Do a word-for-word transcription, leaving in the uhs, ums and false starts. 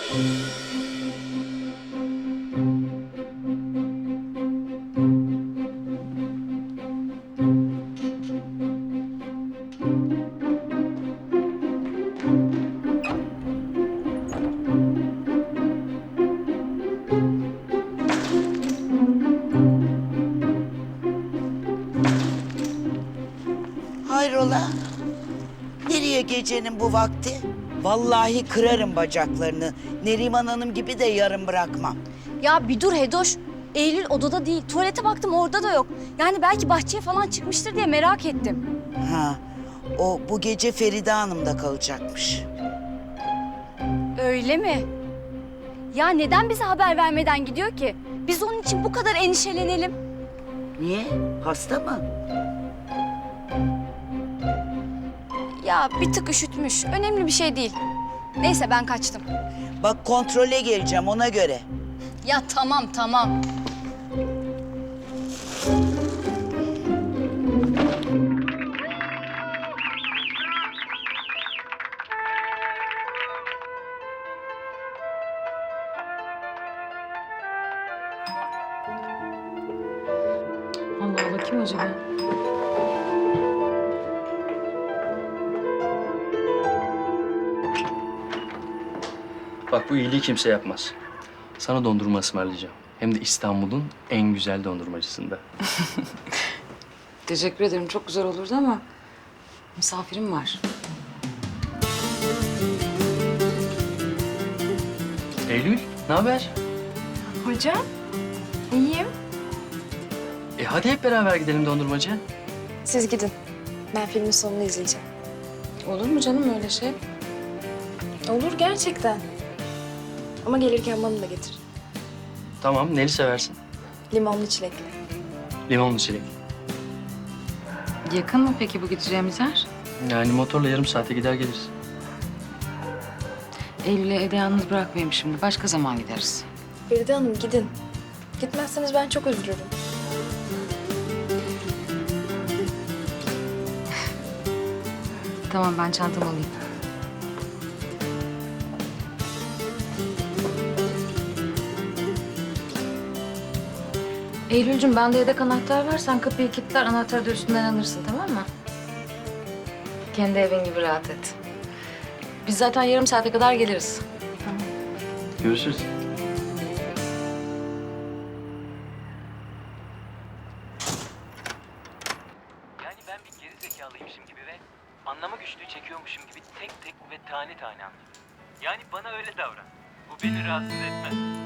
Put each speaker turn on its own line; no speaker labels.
Hayrola? Nereye gecenin bu vakti? Vallahi kırarım bacaklarını. Neriman Hanım gibi de yarım bırakmam.
Ya bir dur Hedoş. Eylül odada değil. Tuvalete baktım orada da yok. Yani belki bahçeye falan çıkmıştır diye merak ettim.
Ha, o bu gece Feride Hanım'da kalacakmış.
Öyle mi? Ya neden bize haber vermeden gidiyor ki? Biz onun için bu kadar endişelenelim.
Niye? Hasta mı?
Ya bir tık üşütmüş. Önemli bir şey değil. Neyse ben kaçtım.
Bak kontrole geleceğim ona göre.
Ya tamam tamam.
Allah Allah, kim acaba?
Bak bu iyiliği kimse yapmaz. Sana dondurma ısmarlayacağım. Hem de İstanbul'un en güzel dondurmacısında.
Teşekkür ederim, çok güzel olurdu ama misafirim var.
Eylül, ne haber?
Hocam, iyiyim.
E hadi hep beraber gidelim dondurmacıya.
Siz gidin. Ben filmin sonunu izleyeceğim.
Olur mu canım öyle şey?
Olur gerçekten. Ama gelirken bana da getir.
Tamam, neli seversin?
Limonlu çilekli.
Limonlu çilek.
Yakın mı peki bu gideceğimiz yer?
Yani motorla yarım saate gider geliriz.
Eylül'ü evde yalnız bırakmayayım şimdi. Başka zaman gideriz.
Feride Hanım gidin. Gitmezseniz ben çok üzülürüm.
Tamam, ben çantamı alayım. Eylül'cüm, bende yedek anahtar var. Sen kapıyı kilitler, anahtarı da üstünden alırsın, tamam mı? Kendi evin gibi rahat et. Biz zaten yarım saate kadar geliriz.
Görüşürüz.
Yani ben bir geri zekalıymışım gibi ve anlama güçlüğü çekiyormuşum gibi tek tek ve tane tane anlıyorum. Yani bana öyle davran. Bu beni rahatsız etmez.